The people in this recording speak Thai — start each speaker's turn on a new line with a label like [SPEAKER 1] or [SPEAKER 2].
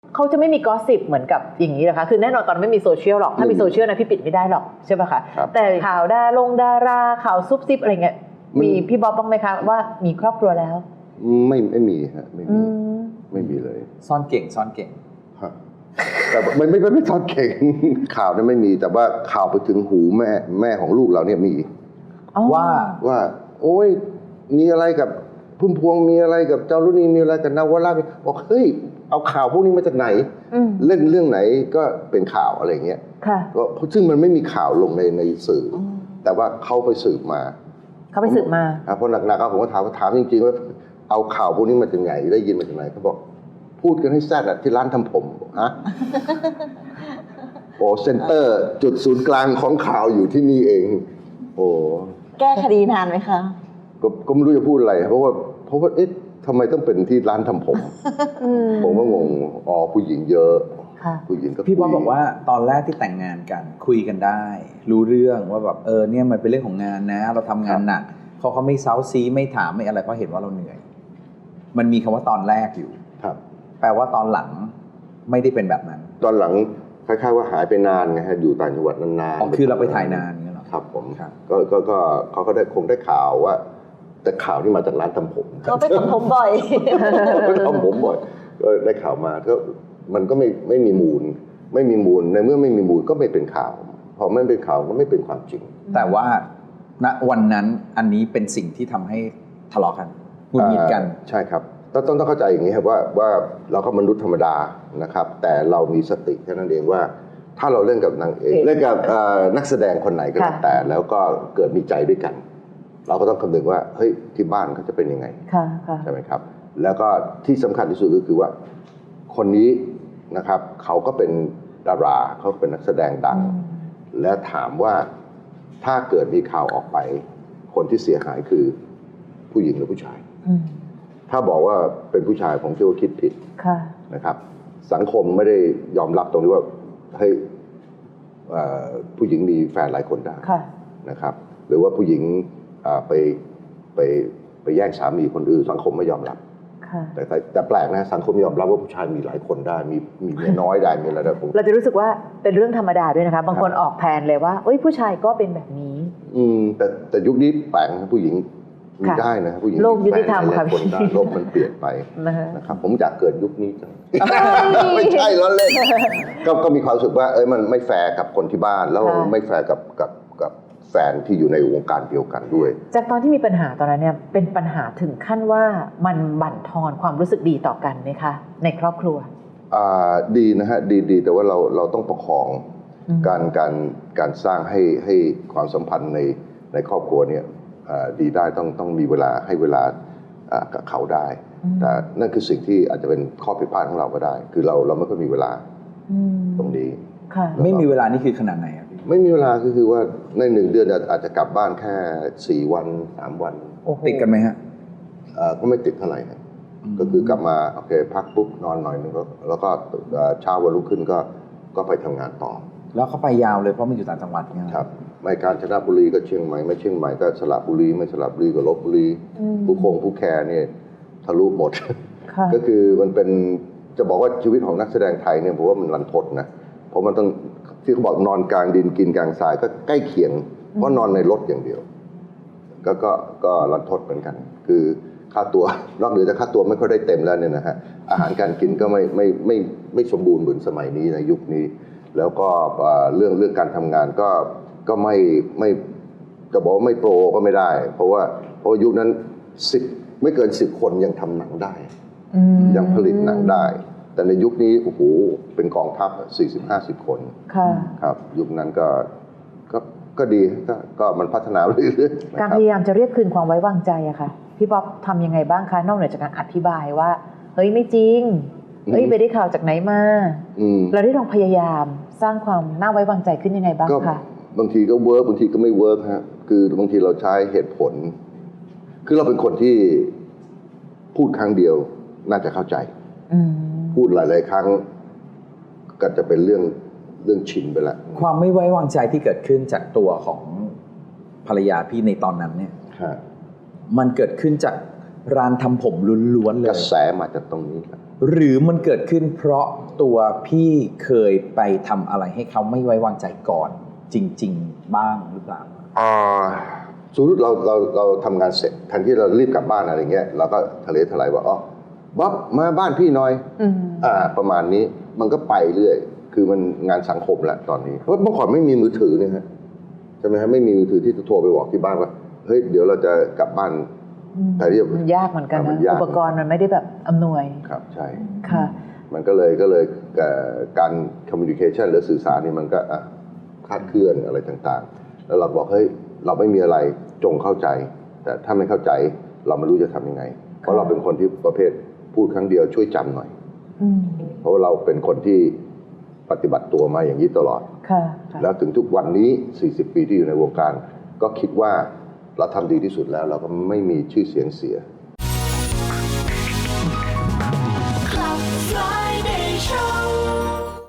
[SPEAKER 1] เขาจะไม่มีกอสซิปเหมือนกับอย่างนี้นะคะคือแน่นอนตอนไม่มีโซเชียลหรอกถ้ามีโซเชียลนะพี่ปิดไม่ได้หรอกใช่ป่ะคะแต่ข่าวดาราข่าวซุบซิบอะไรเงี้ยมีพี่บ๊อบบ้างไหมคะว่ามีครอบครัวแล้ว
[SPEAKER 2] ไม่มีฮะไม่มีเลย
[SPEAKER 3] ซ่อนเก่ง
[SPEAKER 2] แต่ไม่ซ่อนเก่งข่าวนั้นไม่มีแต่ว่าข่าวไปถึงหูแม่ของลูกเราเนี่ยมีว่าโอ้ยมีอะไรกับพุ่มพวงมีอะไรกับเจ้ารุ่นนี้มีอะไรกับนวราบอกเฮ้ยเอาข่าวพวกนี้มาจากไหนเล่นเรื่องไหนก็เป็นข่าวอะไรเงี้ยก็ซึ่งมันไม่มีข่าวลงในสื่อแต่ว่าเขาไปสืบมาเพราะหนักๆผมก็ถามจริงๆว่าเอาข่าวพวกนี้มาจากไหนได้ยินมาจากไหนเขาบอกพูดกันให้แซ่ดที่ร้านทำผมฮะโอ้เซ็นเตอร์จุดศูนย์กลางของข่าวอยู่ที่นี่เองโอ้
[SPEAKER 4] แก้คดีนานไหมคะ
[SPEAKER 2] ก็ไม่รู้จะพูดอะไรเพราะว่าเอ๊ะทำไมต้องเป็นที่ร้านทำผมผมก็งงผู้หญิงเยอะผู้หญิงก็
[SPEAKER 3] พี่บอลบอกว่าตอนแรกที่แต่งงานกันคุยกันได้รู้เรื่องว่าแบบเนี่ยมันเป็นเรื่องของงานนะเราทำงานหนักเขาไม่เซาซีไม่ถามไม่อะไรเพราะเห็นว่าเราเหนื่อยมันมีคำว่าตอนแรกอยู่
[SPEAKER 2] ครับ
[SPEAKER 3] แปลว่าตอนหลังไม่ได้เป็นแบบนั้น
[SPEAKER 2] ตอนหลังคล้ายๆว่าหายไปนานไงฮะอยู่ต่างจังหวัดนาน
[SPEAKER 3] ๆคือเราไปถ่ายนานเงี้ยหรอ
[SPEAKER 2] ครับผมก็เขาก็คงได้ข่าวว่าแต่ข่าวที่มาจากร้านทำผม
[SPEAKER 4] เขาไปทำผมบ่อย
[SPEAKER 2] ทำผมบ่อยก็ได้ข่าวมาก็มันก็ไม่มีมูลในเมื่อไม่มีมูลก็ไม่เป็นข่าวพอไม่เป็นข่าวก็ไม่เป็นความจริง
[SPEAKER 3] แต่ว่าณวันนั้นอันนี้เป็นสิ่งที่ทำให้ทะเลาะกันหงุดหงิดกัน
[SPEAKER 2] ใช่ครับต้องเข้าใจอย่างนี้ครับว่าเราก็มนุษย์ธรรมดานะครับแต่เรามีสติแค่นั้นเองว่าถ้าเราเล่นกับนางเอกเล่นกับนักแสดงคนไหนก็แล้วก็เกิดมีใจด้วยกันเราก็ต้องคำนึงว่าเฮ้ยที่บ้านเขาจะเป็นยังไงใช่ไหมครับแล้วก็ที่สำคัญที่สุดก็คือว่าคนนี้นะครับเขาก็เป็นดาราเขาเป็นนักแสดงดังและถามว่าถ้าเกิดมีข่าวออกไปคนที่เสียหายคือผู้หญิงหรือผู้ชายถ้าบอกว่าเป็นผู้ชายผมคิดว่าคิดผิดนะครับสังคมไม่ได้ยอมรับตรงนี้ว่าเฮ้ยผู้หญิงมีแฟนหลายคนได้นะครับหรือว่าผู้หญิงไปแย่งสามีคนอื่นสังคมไม่ยอมรับแต่แปลกนะสังคมยอมรับว่าผู้ชายมีหลายคนได้มีเมียน้อยได้มีอะไรได้
[SPEAKER 1] เราจะรู้สึกว่าเป็นเรื่องธรรมดาด้วยนะคะบางคนออกแทนเลยว่าผู้ชายก็เป็นแบบนี้
[SPEAKER 2] แต่ยุคนี้แปลกนะผู้หญิงมีได้นะผู้หญิง
[SPEAKER 1] โลกยุติธรรมค่ะ
[SPEAKER 2] พี่โลกมันเปลี่ยนไปนะครับผมอยากเกิดยุคนี้จังไม่ใช่ล้อเล่นก็มีความรู้สึกว่ามันไม่แฟร์กับคนที่บ้านแล้วไม่แฟร์กับแฟนที่อยู่ในวงการเดียวกันด้วย
[SPEAKER 1] จากตอนที่มีปัญหาตอนนั้นเนี่ยเป็นปัญหาถึงขั้นว่ามันบั่นทอนความรู้สึกดีต่อกันไหมคะในครอบครัว
[SPEAKER 2] ดีนะฮะดีแต่ว่าเราต้องประคองการสร้างให้ความสัมพันธ์ในครอบครัวเนี่ยดีได้ต้องมีเวลาให้เวลากับเขาได้แต่นั่นคือสิ่งที่อาจจะเป็นข้อผิดพลาดของเราก็ได้คือเราไม่ค่อยมีเวลาตรงนี้
[SPEAKER 3] ไม่มีเวลานี่คือขนาดไหนครับ
[SPEAKER 2] ไม่มีเวลาคือว่าใน1 เดือนอาจจะกลับบ้านแค่4 วัน3 วัน
[SPEAKER 3] ติดกันไหมฮะ
[SPEAKER 2] ก็ไม่ติดเท่าไหร่ก็คือกลับมาโอเคพักปุ๊บนอนหน่อยนึงแล้วก็เช้าวันรุ่งขึ้นก็ไปทำงานต่อ
[SPEAKER 3] แล้วเขาไปยาวเลยเพราะมันอยู่ต่างจังหวัดไง
[SPEAKER 2] ครับไม่กาญจนบุรีก็เชียงใหม่ไม่เชียงใหม่ก็สระบุรีไม่สระบุรีก็ลบบุรีผู้แคร์เนี่ยทะลุหมดก็คือมันเป็นจะบอกว่าชีวิตของนักแสดงไทยเนี่ยผมว่ามันรันทดนะเพราะมันต้องที่เขาบอกนอนกลางดินกินกลางทรายก็ใกล้เคียงเพราะนอนในรถอย่างเดียวก็รันทดเหมือนกันคือค่าตัวนอกเหนือจากค่าตัวไม่ค่อยได้เต็มแล้วเนี่ยนะฮะอาหารการกินก็ไม่สมบูรณ์เหมือนสมัยนี้ในยุคนี้แล้วก็เรื่องการทำงานก็ไม่จะบอกว่าไม่โปรก็ไม่ได้เพราะยุคนั้นไม่เกิน10 คนยังทำหนังได้ยังผลิตหนังได้แต่ในยุคนี้โอ้โหเป็นกองทัพ40-50 คนครับยุคนั้นก็ดีก็มันพัฒนาเรื่อย
[SPEAKER 1] ๆการพยายามจะเรียกคืนความไว้วางใจอะค่ะพี่ป๊อปทำยังไงบ้างคะนอกเหนือจากการอธิบายว่าเฮ้ยไม่จริงไปได้ข่าวจากไหนมาเราได้ลองพยายามสร้างความน่าไว้วางใจขึ้นยังไงบ้างคะ
[SPEAKER 2] บางทีก็เวิร์กบางทีก็ไม่เวิร์กฮะคือบางทีเราใช้เหตุผลคือเราเป็นคนที่พูดครั้งเดียวน่าจะเข้าใจพูดหลายๆครั้งก็จะเป็นเรื่องชินไปแล้ว
[SPEAKER 3] ความไม่ไว้วางใจที่เกิดขึ้นจากตัวของภรรยาพี่ในตอนนั้นเนี่ยมันเกิดขึ้นจากร้านทำผมล้วนๆเลย
[SPEAKER 2] กระแสมาจากตรงนี้ครับ
[SPEAKER 3] หรือมันเกิดขึ้นเพราะตัวพี่เคยไปทำอะไรให้เขาไม่ไว้วางใจก่อนจริง ๆ บ้างหรือเปล่า
[SPEAKER 2] สมมติเราทำงานเสร็จทันที่เรารีบกลับบ้านอะไรเงี้ยเราก็ทะเลทลายว่าอ๋อบ๊อบมาบ้านพี่หน่อยประมาณนี้มันก็ไปเรื่อยคือมันงานสังคมแล้วตอนนี้เพราะเมื่อก่อนไม่มีมือถือเนี่ยฮะใช่ไหมฮะไม่มีมือถือที่จะโทรไปบอกที่บ้านว่าเฮ้ยเดี๋ยวเราจะกลับบ้านแต่ที่
[SPEAKER 1] มันยากเหมือนกัน
[SPEAKER 2] มั
[SPEAKER 1] นะ
[SPEAKER 2] ยาก
[SPEAKER 1] อุปกรณ์มันไม่ได้แบบอำนวย
[SPEAKER 2] ครับใช่
[SPEAKER 1] ค่ะ
[SPEAKER 2] มันก็เลยการคอมมิวนิเคชันหรือสื่อสารนี่มันก็คลาดเคลื่อนอะไรต่างๆแล้วเราบอกเฮ้ยเราไม่มีอะไรจงเข้าใจแต่ถ้าไม่เข้าใจเราไม่รู้จะทำยังไงเพราะเราเป็นคนที่ประเภทพูดครั้งเดียวช่วยจำหน่อยเพราะเราเป็นคนที่ปฏิบัติตัวมาอย่างนี้ตลอดแล้วถึงทุกวันนี้40 ปีที่อยู่ในวงการก็คิดว่าเราทำดีที่สุดแล้วเราก็ไม่มีชื่อเสียงเสีย